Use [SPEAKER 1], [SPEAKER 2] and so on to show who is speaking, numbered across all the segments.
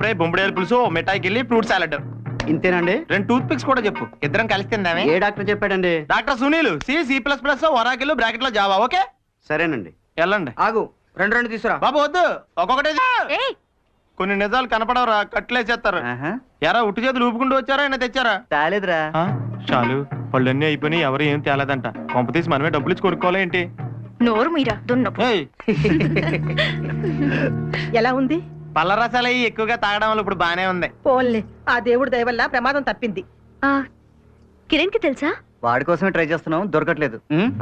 [SPEAKER 1] Fry, బొంబడేరు పులుసు, మిఠాయికి వెళ్ళి fruit salad.
[SPEAKER 2] ఇంతేనండి?
[SPEAKER 1] 2 టూత్ పిక్స్ కూడా చెప్పు, ఇద్దరం కలిసి తిందామే.
[SPEAKER 2] ఏ డాక్టర్ చెప్పాడండి?
[SPEAKER 1] Doctor Sunil, C++, Oracle, bracket లో జావా. ఓకే
[SPEAKER 2] సరేనండి.
[SPEAKER 1] వెళ్ళండి.
[SPEAKER 3] ఆగు, రెండు తీసురా.
[SPEAKER 1] బాబు వద్దు, ఒక్కొక్కటే. కొన్ని నిజాలు కనపడవరా, కట్లేసేస్తారు. ఎరా ఉట్టి చేతులు ఊపుకుంటూ వచ్చారా, అయినా తెచ్చారా?
[SPEAKER 2] తాలేదురా.
[SPEAKER 1] చాలు, పళ్ళన్నీ అయిపోయినాయి, ఎవరు ఏం తేలేదంట. కొంప తీసి మనమే డబ్బులు ఇచ్చి కొనుక్కోవాలా ఏంటి?
[SPEAKER 4] నోరు మీరా దున్నపు.
[SPEAKER 5] ఎలా ఉంది?
[SPEAKER 1] పళ్ళ రసాలు అయ్యి ఎక్కువగా తాగడం వల్ల ఇప్పుడు బానే ఉంది.
[SPEAKER 5] పోన్లే, ఆ దేవుడి దయ వల్ల ప్రమాదం తప్పింది.
[SPEAKER 4] కిరణ్ కి తెలుసా?
[SPEAKER 2] వాడి కోసమే ట్రై చేస్తున్నాం, దొరకట్లేదు.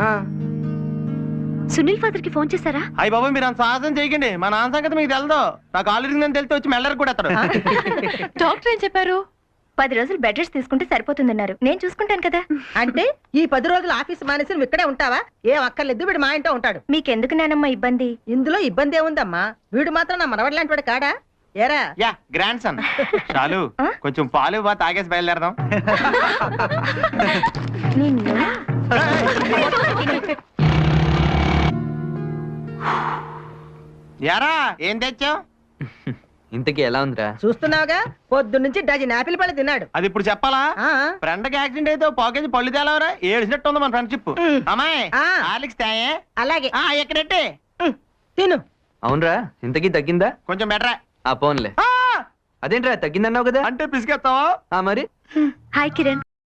[SPEAKER 4] సునీల్ ఫాదర్ కి ఫోన్ చేశారా?
[SPEAKER 1] అయ్యి బాబు మీరు అంత సాహసం చేయకండి, మా నాన్న సంగతి మీకు తెలదు. నాకు ఆల్రెడీ తెలితే వచ్చి మెల్లరికి కూడా ఎత్తాడు.
[SPEAKER 4] డాక్టర్ ఏం చెప్పారు? 10 రోజులు బెడ్ రెస్ట్ తీసుకుంటే సరిపోతుందన్నారు. నేను చూసుకుంటాను కదా.
[SPEAKER 5] అంటే ఈ 10 రోజులు ఆఫీస్ మానేసి నువ్వు ఇక్కడే ఉంటావా? ఏం అక్కర్లేదు, వీడు మా ఇంట్లో ఉంటాడు.
[SPEAKER 4] మీకెందుకు నానమ్మ ఇబ్బంది?
[SPEAKER 5] ఇందులో ఇబ్బంది ఏముందమ్మా? వీడు మాత్రం నా మనవడి లాంటి వాడు కాడా? ఏరా
[SPEAKER 1] యా గ్రాండ్ సన్. చాలు, కొంచెం పాలు బా తాగేసి బయలుదేరదాం.
[SPEAKER 4] నిన్ను
[SPEAKER 1] యారా ఏం తెచ్చావు?
[SPEAKER 3] ఇంతకీ ఎలా ఉందిరా?
[SPEAKER 5] చూస్తున్నావుగా, పొద్దున్నుంచి డజన్ యాపిల్ పళ్ళు తిన్నాడు.
[SPEAKER 1] అది ఇప్పుడు చెప్పాలా?
[SPEAKER 5] ఆ
[SPEAKER 1] ఫ్రెండ్ కి యాక్సిడెంట్ అయితే పాకేజ్ పళ్ళు తేలవరా, ఏడిసినట్టు ఉంది మన ఫ్రెండ్షిప్. అమ్మాయి ఆలిక్స్ తాయే.
[SPEAKER 5] అలాగే
[SPEAKER 1] ఎక్కడెట్టే
[SPEAKER 5] తిను.
[SPEAKER 3] అవునరా, ఇంతకీ తగ్గిందా?
[SPEAKER 1] కొంచెం బెటరా.
[SPEAKER 3] పోన్లే. అదేంట్రా తగ్గిందన్నావు కదా?
[SPEAKER 1] అంటే పిసికేస్తావా?
[SPEAKER 3] మరి
[SPEAKER 4] హాయ్ కిరణ్.